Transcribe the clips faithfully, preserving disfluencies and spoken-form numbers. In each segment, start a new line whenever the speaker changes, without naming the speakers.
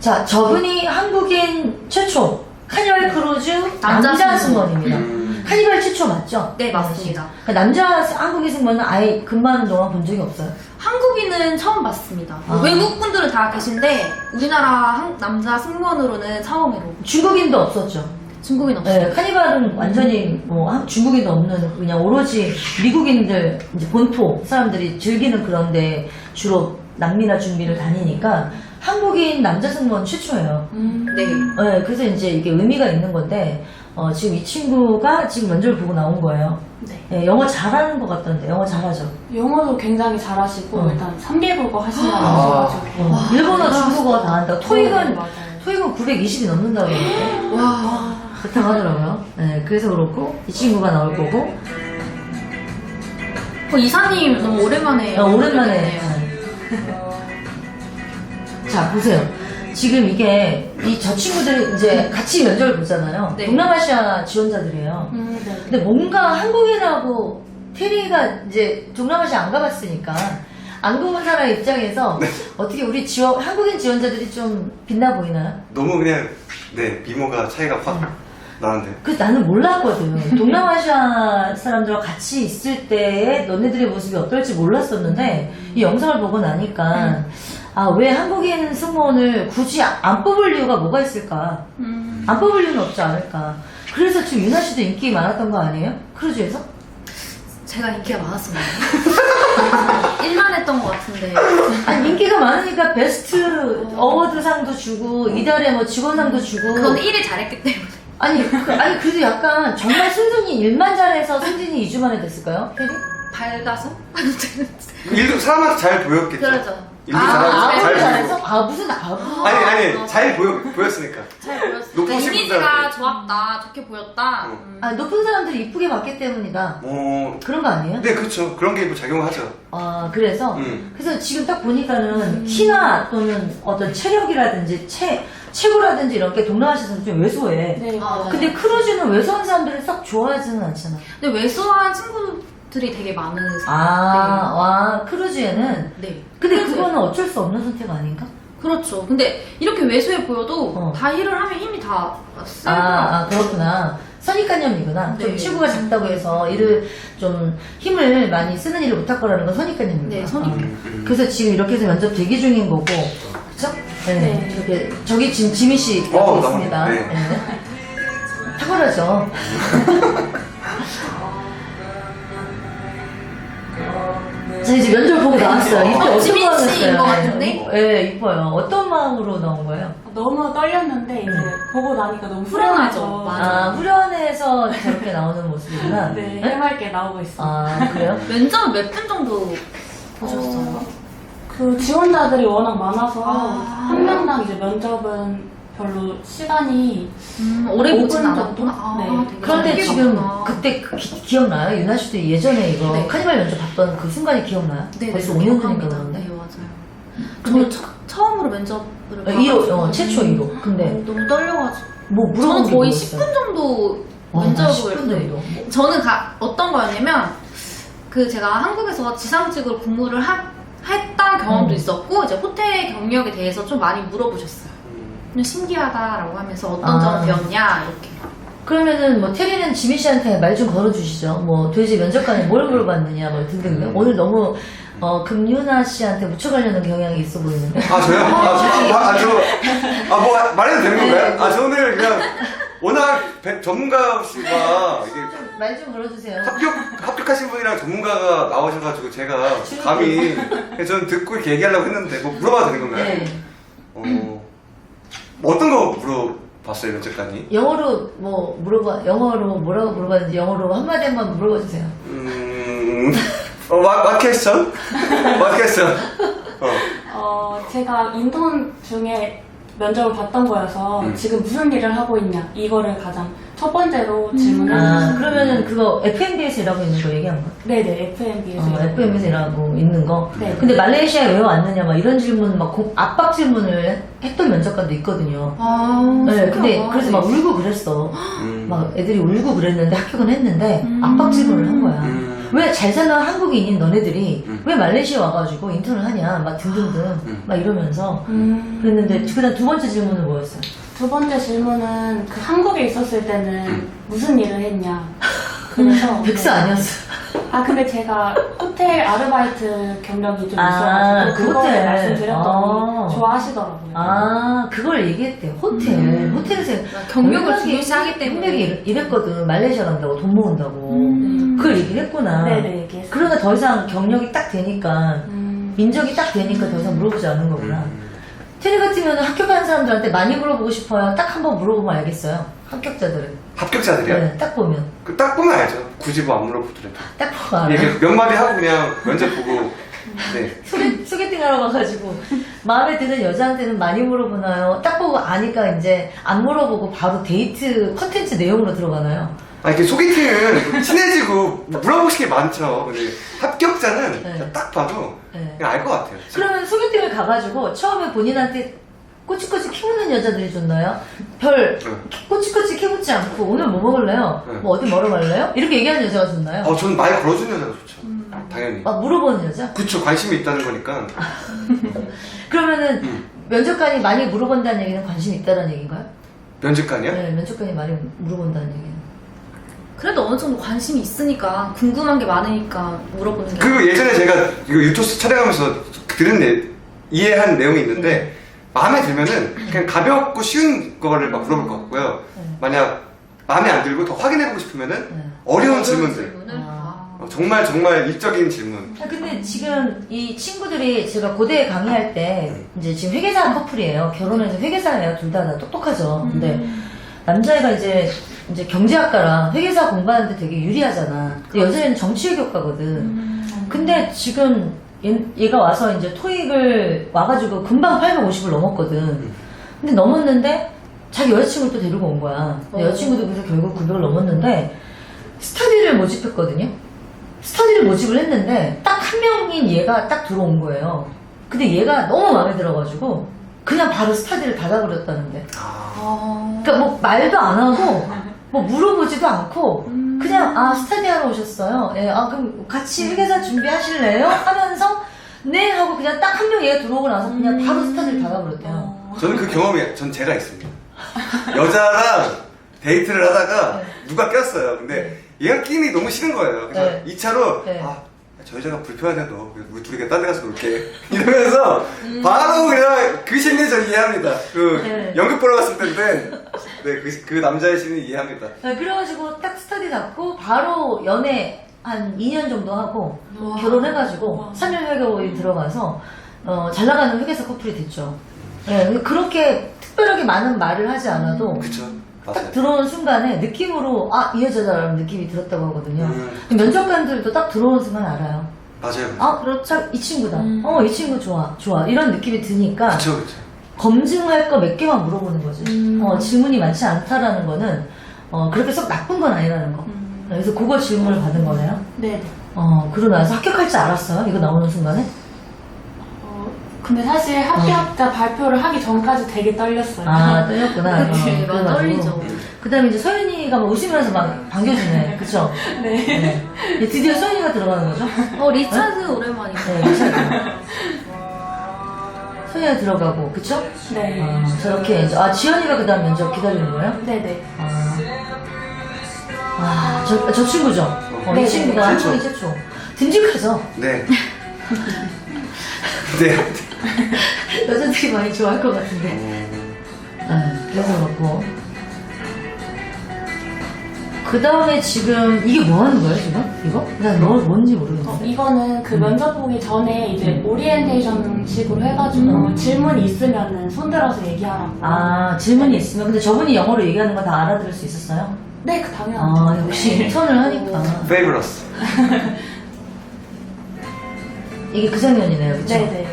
자, 저분이 한국인 최초 카니발 크루즈 남자,
남자
승무원입니다.
음.
카니발 최초 맞죠?
네, 맞습니다.
그러니까 남자 한국인 승무원은 아예 근무하는 동안 본 적이 없어요.
한국인은 처음 봤습니다.
아.
외국 분들은 다 계신데 우리나라 한- 남자 승무원으로는 처음으로.
중국인도 없었죠.
중국인 없어요.
네, 카니발은 완전히 뭐 한- 중국인도 없는 그냥 오로지 미국인들 이제 본토 사람들이 즐기는 그런데 주로 남미나 중미를 다니니까 한국인 남자 승무원 최초예요.
음, 네.
네, 그래서 이제 이게 의미가 있는 건데 어, 지금 이 친구가 지금 면접을 보고 나온 거예요.
네.
네, 영어 잘하는 것 같던데 영어 잘하죠.
영어도 굉장히 잘하시고
어.
일단 삼 개국어 하신다고
아.
하셔가지고
어, 일본어, 중국어 다 한다고.
네,
토익은
맞아요.
토익은 구백이십이 넘는다고 그러는데
와.
그렇다고 하더라고요. 네, 그래서 그렇고 이 친구가 나올 거고
어, 이사님 너무 오랜만에.
어, 오랜만에.
뵙네요.
자, 보세요. 지금 이게, 이 저 친구들이 이제 같이 면접을 보잖아요.
네.
동남아시아 지원자들이에요.
음, 네.
근데 뭔가 한국인하고 테리가 이제 동남아시아 안 가봤으니까, 안 가본 사람 입장에서 어떻게 우리 지원, 한국인 지원자들이 좀 빛나 보이나요?
너무 그냥 네 미모가 차이가 확 나는데.
그 나는 몰랐거든. 동남아시아 사람들과 같이 있을 때의 너네들의 모습이 어떨지 몰랐었는데 이 영상을 보고 나니까 아, 왜 한국인 승무원을 굳이 안 뽑을 이유가 뭐가 있을까?
음.
안 뽑을 이유는 없지 않을까? 그래서 지금 유나 씨도 인기 많았던 거 아니에요? 크루즈에서?
제가 인기가 많았습니다. 일만 했던 것 같은데.
아니 인기가 많으니까 베스트 어워드상도 주고 이달에 뭐 직원상도 주고
그건 일을 잘했기 때문에.
아니 그, 아니 그래도 약간 정말 순순히 일만 잘해서 승진이 이 주 만에 됐을까요? 테리?
밝아서?
일도 사람한테 잘 보였겠죠.
그렇죠.
일도
아,
잘하고
아,
잘
잘해서?
보이고.
아 무슨 아부
아니 아니 잘 보여 보였으니까.
잘 보였어.
높으신
그러니까 이미지가
분들한테.
좋았다, 좋게 보였다.
어.
음.
아, 높은 사람들이 이쁘게 봤기 때문이다.
뭐
그런 거 아니에요?
네 그렇죠. 그런 게 뭐 작용하죠.
아, 그래서?
음.
그래서 지금 딱 보니까는 키나 또는 어떤 체력이라든지 체, 체구라든지 이런 게 동남아시아에서 좀 왜소해.
네,
아,
맞아요.
근데 크루즈는 왜소한 사람들을 싹 좋아하지는 않잖아.
근데 왜소한 친구들이 되게 많으세요.
아, 와, 크루즈에는?
네. 네.
근데
크루즈에.
그거는 어쩔 수 없는 선택 아닌가?
그렇죠. 근데 이렇게 왜소해 보여도
어.
다 일을 하면 힘이 다 세고.
아, 아, 그렇구나. 선입관념이구나. 좀
네.
체구가 작다고 해서 일을 좀 힘을 많이 쓰는 일을 못할 거라는 건 선입관념이구나.
네, 선입-
아.
음, 음.
그래서 지금 이렇게 해서 면접 대기 중인 거고, 그쵸? 네.
네.
이렇게, 저기 지금 지민 씨 옆에
어,
있습니다.
나오네. 네.
네. 탁월하죠. 자, 이제 면접 보고 나왔어요. 이때 어떤
지민
마음이었어요?
씨인 것 같은데?
네, 이뻐요. 어떤 마음으로 나온 거예요?
너무 떨렸는데 이제 보고 나니까 너무
후련하죠.
후련하죠.
맞아.
아, 후련해서 저렇게 나오는 모습이구나.
네, 해맑게 나오고 있어요.
아, 그래요?
면접은 몇 분 정도 보셨어요?
어, 그 지원자들이 워낙 많아서
아.
한 명당 이제 면접은 별로 시간이
음, 오래
오
보진
분
않았구나.
정도?
아,
네.
되게
그런데
짧게
지금
봤구나.
그때 그 기, 기억나요? 유나 씨도 예전에 이거
네.
카니발 면접 봤던 그 순간이 기억나요?
네,
벌써
네,
오 년 전인가
기억합니다.
그런데?
네, 맞아요.
근데
저는 처, 처음으로 면접을
일 호,
봐가지고
어, 최초 일 호. 근데
어, 너무 떨려가지고
뭐 물어본
저는
게
거의
뭐였어요?
십 분 정도
와,
면접을
십 분 정도.
저는 가, 어떤 거였냐면 그 제가 한국에서 지상직으로 근무를 하, 했던 경험도
음.
있었고 이제 호텔 경력에 대해서 좀 많이 물어보셨어요.
음.
그냥 신기하다라고 하면서 어떤
아.
점을 배웠냐 이렇게.
그러면은 뭐 테리는 지민 씨한테 말 좀 걸어주시죠. 뭐 돼지 면접관에 뭘 물어봤느냐 뭐 등등.
음.
오늘 너무 어, 금유나 씨한테 묻혀가려는 경향이 있어 보이는데.
아 저요? 아, 저, 아, 아, 저, 아, 뭐, 말해도 되는 건가요? 아, 저 오늘 그냥, 워낙 배- 전문가시가, 이게
말 좀 걸어주세요.
합격, 합격하신 분이랑 전문가가 나오셔가지고 제가 감히, 저는 듣고 이렇게 얘기하려고 했는데, 뭐 물어봐도 되는 건가요?
네.
어, 뭐 어떤 거 물어봤어요, 면접관이?
영어로 뭐 물어봐, 영어로 뭐라고 물어봤는지 영어로 한마디 한번 물어봐 주세요.
음, 어, what, what question? What question? 어.
어, 제가 인턴 중에 면접을 봤던 거여서
음.
지금 무슨 일을 하고 있냐 이거를 가장 첫 번째로 질문을
아,
했어요.
그러면은 그거 에프엠비에서 일하고 있는 거 얘기한 거야?
네네, 에프엠비에서.
어, 에프엠에서 일하고 있는 거.
네.
근데 말레이시아에 왜 왔느냐, 막 이런 질문, 막 고- 압박 질문을 했던 면접관도 있거든요.
아,
네, 근데
신기하다.
그래서 막 울고 그랬어.
음.
막 애들이 울고 그랬는데 합격은 했는데
음.
압박 질문을 한 거야.
음.
왜 잘 사는 한국인인 너네들이
음.
왜 말레이시아 와가지고 인턴을 하냐 막 등등등
음.
막 이러면서
음.
그랬는데 그다음 두 번째 질문은 뭐였어요?
두 번째 질문은 그 한국에 있었을 때는
음.
무슨 일을 했냐. 그래서
백수 아니었어.
아 근데 제가 호텔 아르바이트 경력이 좀
아,
있어가지고
그
그거를
호텔.
말씀드렸더니
아.
좋아하시더라고요.
아 그걸 얘기했대요. 호텔
음.
호텔에서
경력을
워낙에
중요시하기 때문에.
경력이 이랬- 이랬거든. 말레이시아 간다고 돈 모은다고.
음.
그걸 얘기를 했구나.
네네 얘기했어요.
그러니까 더 이상 경력이 딱 되니까
음.
민족이 딱 되니까 더 이상 물어보지 않는 거구나.
음.
테리 같으면 합격한 사람들한테 많이 물어보고 싶어요. 딱 한 번 물어보면 알겠어요. 합격자들은.
합격자들이요?
네, 딱 보면.
그 딱 보면 알죠. 굳이 뭐 안 물어보더라도.
딱 보면 알아요.
이렇게 몇 마디 하고 그냥 면접 보고. 네.
소개, 소개팅 하러 가가지고 마음에 드는 여자한테는 많이 물어보나요? 딱 보고 아니까 이제 안 물어보고 바로 데이트 컨텐츠 내용으로 들어가나요?
아 이렇게 소개팅은 친해지고 물어보고 싶은 게 많죠. 근데 합격자는
네.
그냥 딱 봐도
네.
그냥 알 것 같아요.
그러면 소개팅을 가가지고 처음에 본인한테 꼬치꼬치 캐묻는 여자들이 좋나요? 별
네.
꼬치꼬치 캐묻지 않고 오늘 뭐 먹을래요?
네.
뭐 어디 먹으러 갈래요? 이렇게 얘기하는 여자가 좋나요?
어, 저는 말 걸어주는 여자가 좋죠. 당연히.
막 물어보는 여자?
그쵸, 관심이 있다는 거니까.
그러면은
음.
면접관이 많이 물어본다는 얘기는 관심이 있다는 얘기인가요?
면접관이요?
네, 면접관이 많이 물어본다는 얘기는.
그래도 어느 정도 관심이 있으니까 궁금한 게 많으니까 물어보는 게.
그 예전에 제가 이거 유토스 촬영하면서 들은 내, 이해한 내용이 있는데 마음에 들면은 그냥 가볍고 쉬운 거를 막 물어볼 것 같고요.
네.
만약 마음에 안 들고 더 확인해보고 싶으면은
네.
어려운 질문들.
질문을?
아.
아.
어, 정말 정말 일적인 질문.
아, 근데 지금 이 친구들이 제가 고대에 강의할 때 이제 지금 회계사 커플이에요. 결혼해서 회계사예요. 둘 다 다 똑똑하죠. 근데 남자애가 이제 이제 경제학과라 회계사 공부하는데 되게 유리하잖아. 근데 여자애는 정치외교과거든. 근데 지금 얘, 얘가 와서 이제 토익을 와가지고 금방 팔백오십을 넘었거든. 근데 넘었는데 자기 여자친구를 또 데리고 온 거야. 근데
어.
여자친구도 그래서 결국 구백을 넘었는데 스터디를 모집했거든요. 스터디를 모집을 했는데 딱 한 명인 얘가 딱 들어온 거예요. 근데 얘가 너무 마음에 들어가지고 그냥 바로 스터디를 닫아버렸다는데.
아,
아.
그러니까 뭐 말도 안 하고 뭐 물어보지도 않고 그냥 아 스터디 하러 오셨어요. 예, 아 그럼 같이 회계사 준비하실래요? 하면서 네 하고 그냥 딱 한 명 얘가 들어오고 나서 그냥 바로 스터디를 닫아버렸대요.
저는 그 경험이 전 제가 있습니다. 여자랑 데이트를 하다가 누가 꼈어요. 근데 얘가 끼니 너무 싫은 거예요. 그래서
네.
이 차로
네.
아, 저 여자가 불편해도 우리 둘이 그냥 딴 데 가서 놀게 이러면서 바로 그냥 그 심리 전 이해합니다. 그
네.
연극 보러 갔을 때인데 네, 그, 그 남자의 심리 이해합니다.
네, 그래가지고 딱 스터디 닫고 바로 연애 한 이 년 정도 하고
와.
결혼해가지고
와.
삼 년 회계법인 들어가서 어, 잘 나가는 회계사 커플이 됐죠. 네, 근데 그렇게 특별하게 많은 말을 하지 않아도
그쵸?
딱
맞아요.
들어오는 순간에 느낌으로 아 이 여자다라는 느낌이 들었다고 하거든요.
음.
면접관들도 딱 들어오는 순간 알아요.
맞아요.
아 그렇죠. 이 친구다.
음.
어 이 친구 좋아 좋아 이런 느낌이 드니까
그쵸, 그쵸.
검증할 거 몇 개만 물어보는 거지.
음.
어, 질문이 많지 않다라는 거는 어, 그렇게 썩 나쁜 건 아니라는 거.
음.
그래서 그거 질문을 받은 거네요.
네네.
어 그러고 나서 합격할 줄 알았어요. 이거 나오는 순간에.
어, 근데 사실 합격자 발표를 하기 전까지 되게 떨렸어요.
아 떨렸구나.
그치,
어,
많이
그래가지고.
떨리죠.
그다음에 이제 서윤이가 막 웃으면서 막 반겨주네. 그쵸?
네.
네. 이제 드디어 서윤이가 들어가는 거죠?
어, 리차드 오랜만이네.
네, 괜찮아요. 서윤이가 들어가고, 그쵸?
네.
아, 저렇게 이제, 아, 지연이가 그 다음 면접 기다리는 거예요?
네네.
아, 아 저, 저 친구죠? 어, 이
네,
친구가
네, 최초.
한국인 최초. 듬직하죠?
네. 네.
여자들이 많이 좋아할 것 같은데.
음,
아, 그래서 그렇고. 그 다음에 지금, 이게 뭐 하는 거예요, 지금? 이거? 난 뭐, 뭔지
어,
모르겠는데.
이거는 그 면접 보기 전에 이제 오리엔테이션 식으로 해가지고
음.
질문이 있으면은 손들어서 얘기하라고.
아, 질문이 있으면. 근데 저분이 영어로 얘기하는 거 다 알아들을 수 있었어요?
네, 그 당연하죠.
아, 역시 인턴을 하니까.
페이버러스.
이게 그 장면이네요, 그쵸?
네네.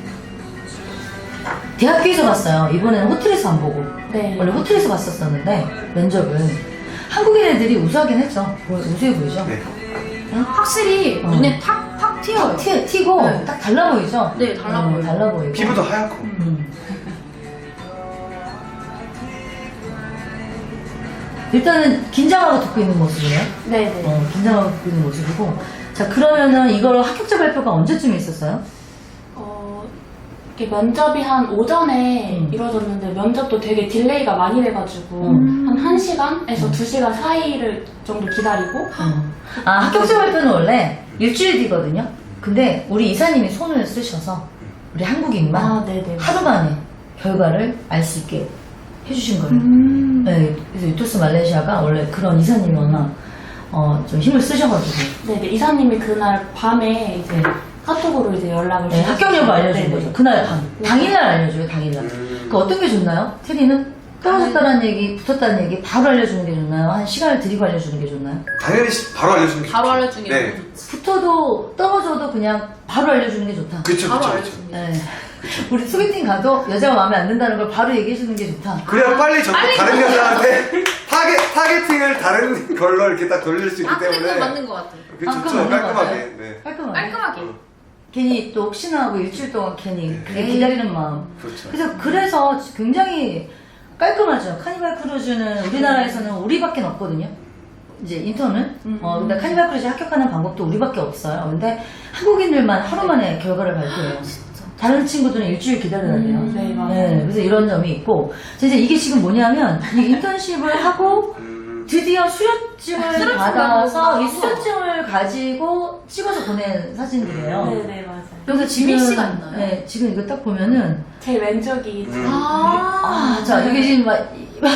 대학교에서 봤어요. 이번에는 호텔에서 안 보고.
네.
원래 호텔에서 봤었었는데, 면접은. 한국인 애들이 우수하긴 했죠. 뭐, 우수해 보이죠?
네.
확실히
어.
눈에 탁, 탁 튀어요.
티, 튀고,
네.
딱 달라 보이죠?
네, 달라
어,
보여요.
달라 보이고.
피부도 하얗고.
음. 일단은 긴장하고 듣고 있는 모습이에요.
네네.
어, 긴장하고 듣고 있는 모습이고. 자, 그러면은 이걸 합격자 발표가 언제쯤 있었어요?
어, 이렇게 면접이 한 오전에
음.
이루어졌는데 면접도 되게 딜레이가 많이 돼가지고
음.
한 한 시간에서 두 시간 사이를 정도 기다리고
음. 아, 합격자 발표는 원래 일주일 뒤거든요? 근데 우리 이사님이 손을 쓰셔서 우리 한국인만
아, 네네.
하루 만에 결과를 알 수 있게 해주신 거예요.
음.
네, 그래서 유토스 말레이시아가 원래 그런 이사님이 워낙 어, 좀 힘을 쓰셔가지고
네네. 이사님이 그날 밤에 이제
네.
카톡으로 이제 연락을
네,
주셨어요.
합격 여부 알려준
네네.
거죠. 그날 밤.
네.
당일날 알려줘요, 당일날.
음.
그 어떤 게 좋나요? 테리는 떨어졌다는 얘기, 붙었다는 얘기 바로 알려주는 게 좋나요? 한 시간을 들이고 알려주는 게 좋나요?
당연히 시- 바로 알려주는 게
바로
좋죠.
알려주는 게
네.
너무 좋지.
붙어도 떨어져도 그냥 바로 알려주는 게 좋다.
그쵸,
바로
그쵸, 그쵸.
알려주는 게
네. 우리 소개팅 가도 여자가 마음에 안 든다는 걸 바로 얘기해주는 게 좋다.
그래야 빨리 저
빨리
다른
가.
여자한테 타겟, 타겟팅을 다른 걸로 이렇게 딱 돌릴 수 있기
아, 근데
때문에.
그건 맞는 것 같아.
그게
아,
좋죠,
그건 맞는 것
깔끔하게.
같아요.
네.
깔끔하게.
깔끔하게.
괜히 또 혹시나 하고 일주일 동안 괜히 그게
에이.
기다리는 마음.
그렇죠.
그래서 그래서 굉장히 깔끔하죠. 카니발 크루즈는 우리나라에서는 우리밖에 없거든요. 이제 인턴은.
음.
어, 근데 카니발 크루즈 합격하는 방법도 우리밖에 없어요. 근데 한국인들만 하루 만에 결과를 발표해요. 다른 친구들은 일주일 기다려야 돼요.
음, 네, 맞아요.
네, 그래서 이런 점이 있고. 이제 이게 지금 뭐냐면, 이 인턴십을 하고
음,
드디어 수료증을
수료증
받아서
받고.
이 수료증을 가지고 찍어서 보낸 사진들이에요.
네네, 맞아요.
그래서 지금,
지민 씨가 있나요?
네, 지금 이거 딱 보면은,
제 왼쪽이
음.
아,
아, 자, 여기 지금 막,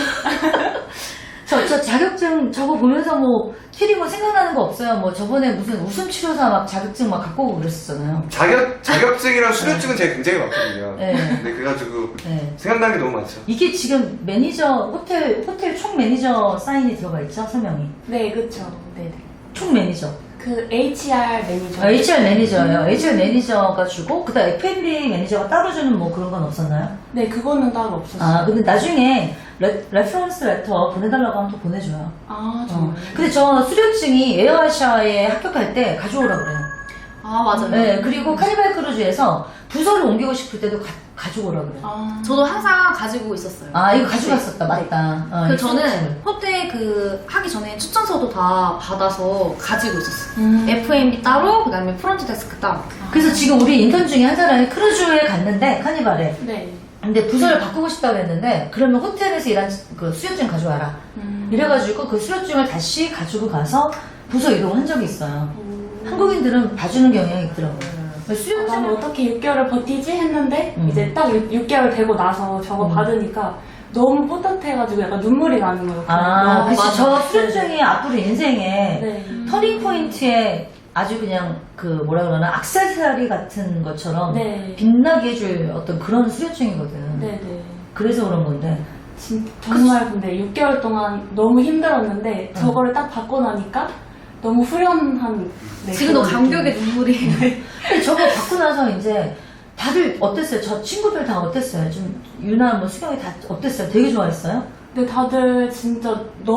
저, 저 자격증 저거 보면서 뭐, 테리 뭐 생각나는 거 없어요? 뭐 저번에 무슨 웃음치료사 막 자격증 막 갖고 오고 그랬었잖아요.
자격, 자격증이랑 수료증은 제가 굉장히 많거든요.
네.
네, 그래가지고
네.
생각나는 게 너무 많죠.
이게 지금 매니저, 호텔, 호텔 총 매니저 사인이 들어가 있죠? 설명이.
네, 그쵸. 네네.
총 매니저.
그 에이치알 매니저.
아, 에이치알 매니저예요. 에이치알 매니저가 주고, 그 다음 에프앤비 매니저가 따로 주는 뭐 그런 건 없었나요?
네, 그거는 따로 없었어요.
아, 근데 나중에 레, 레퍼런스 레터 보내달라고 하면 또 보내줘요.
아,
어.
정말.
근데 저 수료증이 에어아시아에 합격할 때 가져오라 그래요.
아, 맞아요.
네, 그리고 카니발 크루즈에서 부서를 옮기고 싶을 때도 가, 가져오라 그래요.
아,
저도 항상 가지고 있었어요.
아, 이거 가져갔었다. 맞다. 어,
그
이
저는
수료증을.
호텔 그 하기 전에 추천서도 다 받아서 가지고 있었어요.
음.
에프엠비 따로, 그 다음에 프론트 데스크 따로.
그래서 지금 우리 인턴 중에 한 사람이 크루즈에 갔는데, 카니발에.
네.
근데 부서를 바꾸고 싶다고 했는데, 그러면 호텔에서 일한 그 수료증 가져와라.
음.
이래가지고 그 수료증을 다시 가지고 가서 부서 이동한 적이 있어요.
음.
한국인들은 봐주는 경향이 있더라고요.
아, 나는
수료증을
어떻게 육 개월을 버티지 했는데
음.
이제 딱 육 개월 되고 나서 저거
음.
받으니까 너무 뿌듯해가지고 약간 눈물이 나는 거예요.
아,
너무
그치.
맞아.
저 수료증이 앞으로 인생에
네.
터닝 포인트에 아주 그냥 그 뭐라 그러나 액세서리 같은 것처럼
네.
빛나게 해줄 어떤 그런 수료증이거든.
네네.
그래서 그런 건데.
진, 정말 근데 육 개월 동안 너무 힘들었는데 저거를 딱 받고 나니까 너무 후련한 네,
지금도
그런
감격의
느낌.
눈물이.
근데 저거 받고 나서 이제 다들 어땠어요? 저 친구들 다 어땠어요? 좀 유나 뭐 수경이 다 어땠어요? 되게 좋아했어요?
근데 다들 진짜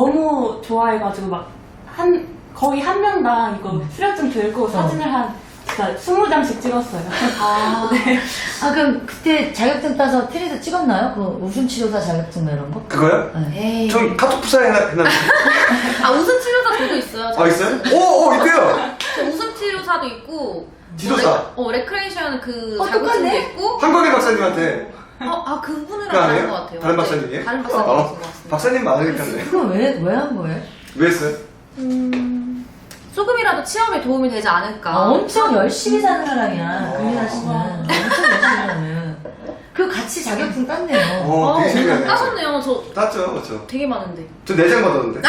너무 좋아해가지고 막 한 거의 한 명당 이거
음.
수료증 들고 사진을 한 진짜 스무 장씩 찍었어요.
아,
아 그럼 그때 자격증 따서 테리도 찍었나요? 그 웃음치료사 자격증 뭐 이런 거?
그거요?
네.
에이.
전 카톡 부사에 해놨, 해놨는데.
아, 웃음 치료사 저도 있어요. 저
아, 있어요? 오, 오, 있대요!
저 웃음 치료사도 있고.
지도사.
어, 레, 어, 레크레이션 그
어,
자격증도
똑같네?
있고.
한국의 박사님한테.
어, 아, 그분이랑
그거
다른
아니에요?
것 같아요.
다른
네,
박사님이에요?
다른 박사님이신
어,
것 같습니다.
박사님 많으니까요.
그거 왜, 왜 한 거예요?
왜 했어요?
음, 조금이라도 취업에 도움이 되지 않을까.
아, 엄청 열심히 사는 사람이야,
어.
금민아 씨는. 엄청 열심히 사는. 그 같이 자격증 땄네요.
어, 되게 신기하네.
따셨네요. 저
땄죠, 그렇죠.
되게 많은데.
저 내장 받았는데.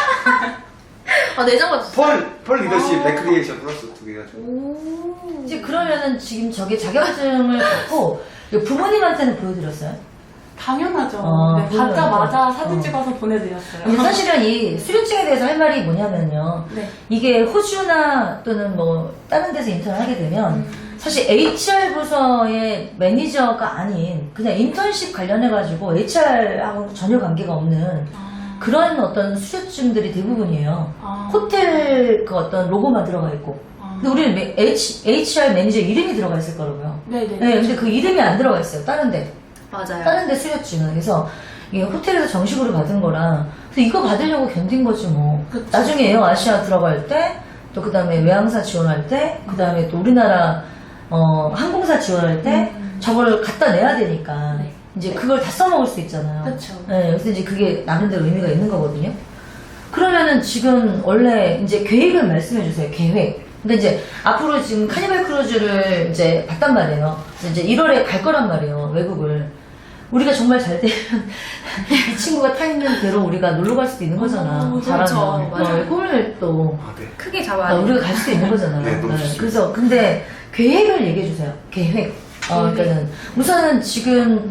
아, 내장 받았어요.
펄, 펄 리더십,
아.
레크리에이션 플러스 두 개가 죠
오.
이제 그러면은 지금 저게 자격증을 갖고 부모님한테는 보여드렸어요?
당연하죠.
어,
네, 받자마자
어.
사진 찍어서 보내드렸어요.
근데 사실은 이 수료증에 대해서 할 말이 뭐냐면요.
네.
이게 호주나 또는 뭐 다른 데서 인턴을 하게 되면
음.
사실 에이치알 부서의 매니저가 아닌 그냥 인턴십 관련해가지고 에이치알하고 전혀 관계가 없는
아,
그런 어떤 수료증들이 대부분이에요.
아,
호텔 그 어떤 로고만 들어가 있고.
아.
근데 우리는 매- H, 에이치알 매니저 이름이 들어가 있을 거라고요.
네네.
네, 근데 그 이름이 안 들어가 있어요. 다른 데.
맞아요.
다른 데 수료증은. 그래서 이게 호텔에서 정식으로 받은 거라. 그래서 이거 받으려고 견딘 거지 뭐.
그쵸.
나중에 에어 아시아 들어갈 때 또 그 다음에 외항사 지원할 때, 그 다음에 또 우리나라 어, 항공사 지원할 때
음.
저걸 갖다 내야 되니까
네.
이제 그걸 다 써먹을 수 있잖아요.
그쵸.
네, 그래서 이제 그게 나름대로 의미가 있는 거거든요. 그러면은 지금 원래 이제 계획을 말씀해 주세요. 계획. 근데 이제 앞으로 지금 카니발 크루즈를 이제 봤단 말이에요. 그래서 이제 일월에 갈 거란 말이에요. 외국을. 우리가 정말 잘 되면 이 친구가 타 있는 대로 우리가 놀러 갈 수도 있는 거잖아.
어,
그렇죠.
잘하면.
맞아요.
어, 꿈을 또
아, 네.
크게
아,
잡아야 돼.
우리가 갈 수도 있는 거잖아요.
네, 너무 좋습니다.
그래서 근데 계획을 얘기해 주세요. 계획. 어, 그러니까는 우선은 지금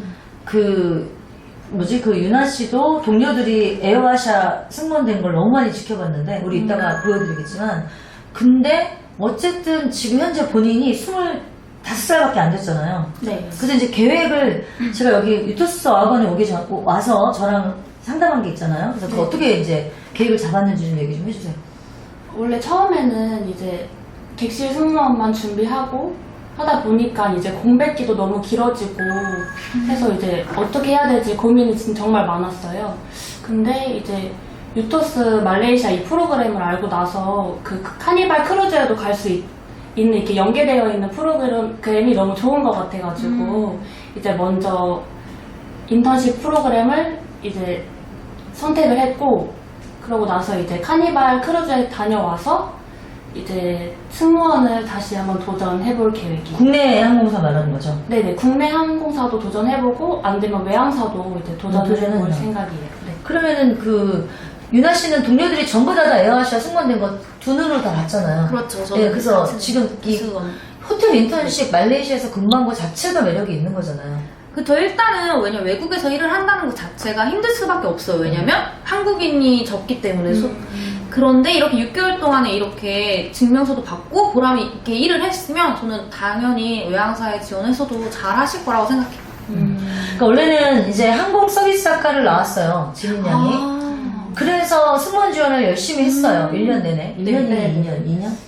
그 뭐지 그 유나 씨도 동료들이 에어아샤 승무원된 걸 너무 많이 지켜봤는데 우리 이따가 보여드리겠지만 근데 어쨌든 지금 현재 본인이 스물다섯 살밖에 안 됐잖아요.
네.
그래서 이제 계획을 제가 여기 유토스 어학원에 오기 전 와서 저랑 상담한 게 있잖아요. 그래서 그
네.
어떻게 이제 계획을 잡았는지 좀 얘기 좀 해주세요.
원래 처음에는 이제 객실 승무원만 준비하고 하다 보니까 이제 공백기도 너무 길어지고 해서 이제 어떻게 해야 될지 고민이 진- 정말 많았어요. 근데 이제 유토스 말레이시아 이 프로그램을 알고 나서 그 카니발 크루즈에도 갈 수 있는 이렇게 연계되어 있는 프로그램이 너무 좋은 것 같아가지고 이제 먼저 인턴십 프로그램을 이제 선택을 했고 그러고 나서 이제 카니발 크루즈에 다녀와서 이제 승무원을 다시 한번 도전해볼 계획이에요.
국내 항공사 말하는 거죠.
네네, 국내 항공사도 도전해보고 안 되면 외항사도 이제 도전해볼
도전해요.
생각이에요. 네.
그러면은 그 유나 씨는 동료들이 전부 다 다 에어아시아 승무원된 거 두 눈으로 다 봤잖아요.
그렇죠. 저도
네, 그래서
같은
지금 이
기수원.
호텔 인턴십 말레이시아에서 근무한 거 자체가 매력이 있는 거잖아요.
그저 일단은 왜냐 면 외국에서 일을 한다는 것 자체가 힘들 수밖에 없어요. 왜냐면 한국인이 적기 때문에 소- 그런데 이렇게 육 개월 동안에 이렇게 증명서도 받고 보람 있게 일을 했으면 저는 당연히 외항사에 지원해서도 잘 하실 거라고 생각해요.
그러니까 원래는 이제 항공 서비스 학과를 나왔어요. 지민 양이.
아.
그래서 승무원 지원을 열심히 했어요. 일 년 내내. 일 년이나
네.
이 년? 이 년?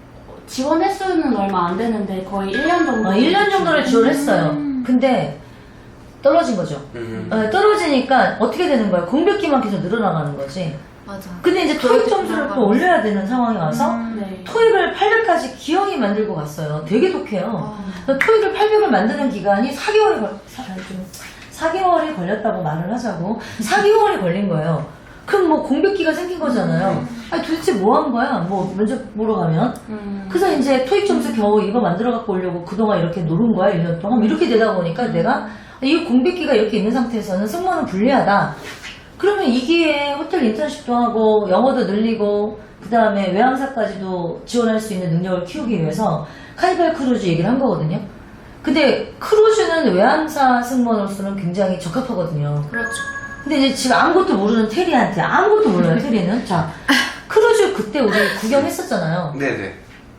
지원 횟수는 얼마 안 되는데 거의 일 년 정도.
어, 일 년 정도를 지원했어요. 근데 떨어진 거죠.
음.
어, 떨어지니까 어떻게 되는 거예요? 공백기만 계속 늘어나가는 거지.
맞아.
근데 이제 토익 점수를 또 올려야 되는 상황이 와서
네.
토익을 팔백까지 기영이 만들고 갔어요. 되게 독해요.
아.
그래서 토익을 팔백을 만드는 기간이 사 개월이 걸, 사, 아니, 좀, 사 개월이 걸렸다고 말을 하자고. 사 개월이 걸린 거예요. 그럼 뭐 공백기가 생긴 거잖아요. 아니 도대체 뭐 한 거야? 뭐 면접 보러 가면.
음.
그래서 이제 토익 점수 겨우 이거 만들어 갖고 오려고 그동안 이렇게 노른 거야, 일 년 동안. 이렇게 되다 보니까 내가 이 공백기가 이렇게 있는 상태에서는 승무원은 불리하다. 그러면 이 기회에 호텔 인턴십도 하고 영어도 늘리고 그 다음에 외항사까지도 지원할 수 있는 능력을 키우기 위해서 카니발 크루즈 얘기를 한 거거든요. 근데 크루즈는 외항사 승무원으로서는 굉장히 적합하거든요.
그렇죠.
근데 이제 지금 아무것도 모르는 테리한테 아무것도 몰라요, 테리는. 자, 크루즈 그때 우리 구경했었잖아요.
네네.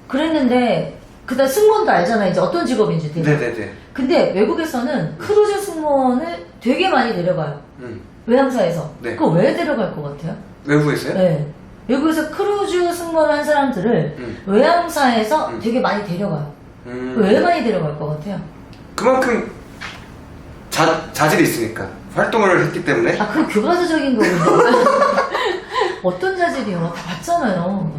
그랬는데 그다음 승무원도 알잖아요, 이제 어떤 직업인지 테리.
네네네.
근데 외국에서는 크루즈 승무원을 되게 많이 데려가요.
음.
외항사에서.
네.
그거 왜 데려갈 것 같아요?
외국에서요?
네. 외국에서 크루즈 승무원 한 사람들을
음.
외항사에서
음.
되게 많이 데려가요.
음.
왜 많이 데려갈 것 같아요?
그만큼 자, 자질이 있으니까 활동을 했기 때문에
아, 그 교과서적인 거군요. 어떤 자질이요? 다 봤잖아요.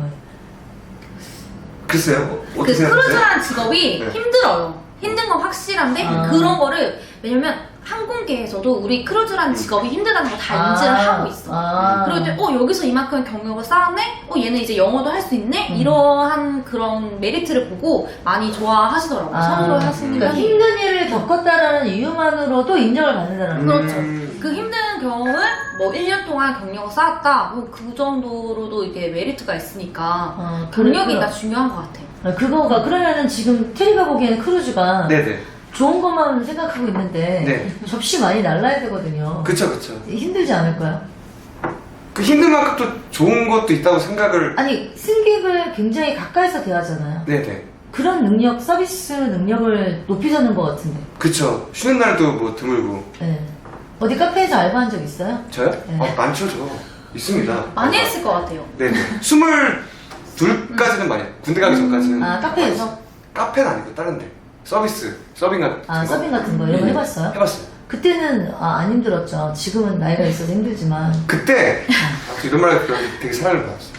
글쎄요. 뭐,
그
어떻게 생각하세요?
크루즈라는 직업이
네.
힘들어요. 힘든 건 확실한데
아.
그런 거를 왜냐면 항공계에서도 우리 크루즈라는 직업이 힘들다는 거 다 인지를 하고 있어.
아.
그럴 때, 어, 여기서 이만큼 경력을 쌓았네? 어, 얘는 이제 영어도 할 수 있네?
음.
이러한 그런 메리트를 보고 많이 좋아하시더라고요.
아.
선호하시는
그러니까
편이에요.
힘든 일을 겪었다라는 이유만으로도 인정을 받는다는 거예요.
그렇죠.
음.
그 힘든 경험을 뭐 일 년 동안 경력을 쌓았다? 뭐 그 정도로도 이게 메리트가 있으니까
어,
경력이
그래,
다 중요한 것 같아요.
아, 그거가 그러면은 지금 테리가 보기에는 크루즈가
네네.
좋은 것만 생각하고 있는데
네.
접시 많이 날라야 되거든요.
그쵸 그쵸.
힘들지 않을까요?
그 힘든 만큼 또 좋은 것도 있다고 생각을.
아니 승객을 굉장히 가까이서 대하잖아요.
네네.
그런 능력, 서비스 능력을 높이자는 것 같은데.
그쵸. 쉬는 날도 뭐 드물고.
네. 어디 카페에서 알바한 적 있어요?
저요?
네.
어, 많죠 저. 있습니다.
많이 했을 것 같아요.
네네. 스물둘까지는 많이. 군대 가기 전까지는.
아 카페에서?
많이 했어요. 카페는 아니고 다른 데. 서비스. 서빙 같은
아
거.
서빙 같은 거 이런 거
네.
해봤어요?
해봤어요.
그때는 아, 안 힘들었죠. 지금은 나이가 있어서 힘들지만.
그때 아, 이런 말 들으면 되게 사랑을 받았어요.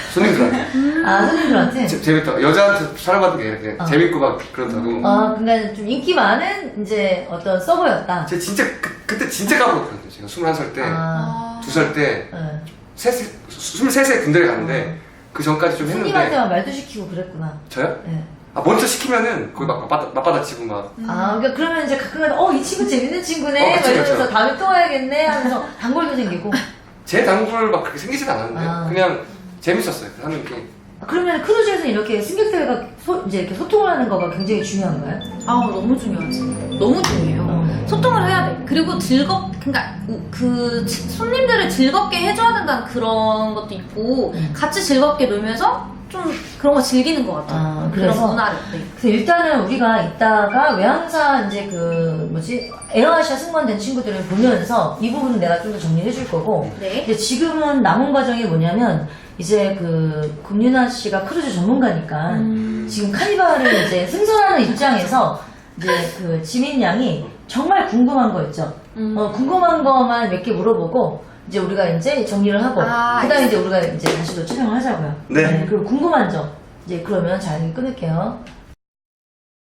손님들한테.
아, 손님들한테?
재- 재밌다. 여자한테 사랑받는 게 이렇게
어.
재밌고 막 그렇다고.
아, 그러니까 좀 인기 많은 이제 어떤 서버였다.
제가 진짜 그, 그때 진짜 까먹었거든요. 제가 스물한 살 때,
아,
두 살 때,
네.
셋- 스물세 세 군대를 갔는데 그 전까지 좀 했는데
손님한테만 말도 시키고 그랬구나.
저요?
네.
아 먼저 시키면은 거기 막 맞받아, 맞받아치고 막
아, 그러니까 그러면 이제 가끔가다 어, 이 친구 재밌는 친구네.
어,
막
그쵸,
이러면서
그쵸.
다음에 또 와야겠네 하면서 단골도 생기고.
제 단골 막 그렇게 생기진 않았는데
아.
그냥 재밌었어요 하는 게.
그러면 크루즈에서 이렇게 승객들과 소, 이제 이렇게 소통을 하는 거가 굉장히 중요한 거예요?
아 너무 중요하지. 너무 중요해요.
어.
소통을 해야 돼. 그리고 즐겁, 그러니까 그 치- 손님들을 즐겁게 해줘야 된다는 그런 것도 있고
음.
같이 즐겁게 놀면서 좀 그런 거 즐기는 것 같아요.
아,
그런
그래서?
문화를. 네.
그래서 일단은 우리가 이따가 외항사 이제 그 뭐지 에어아시아 승무원 된 친구들을 보면서 이 부분은 내가 좀 더 정리해 줄 거고.
네.
근데 지금은 남은 과정이 뭐냐면 이제 그 금윤아 씨가 크루즈 전문가니까
음.
지금 카니발을 이제 승선하는 입장에서 이제 그 지민 양이 정말 궁금한 거 있죠.
음.
어, 궁금한 거만 몇 개 물어보고 이제 우리가 이제 정리를 하고
아,
그다음에 이제 우리가 이제 다시 또 촬영을 하자고요.
네.
그리고 궁금한 점 이제 그러면 잘 끊을게요.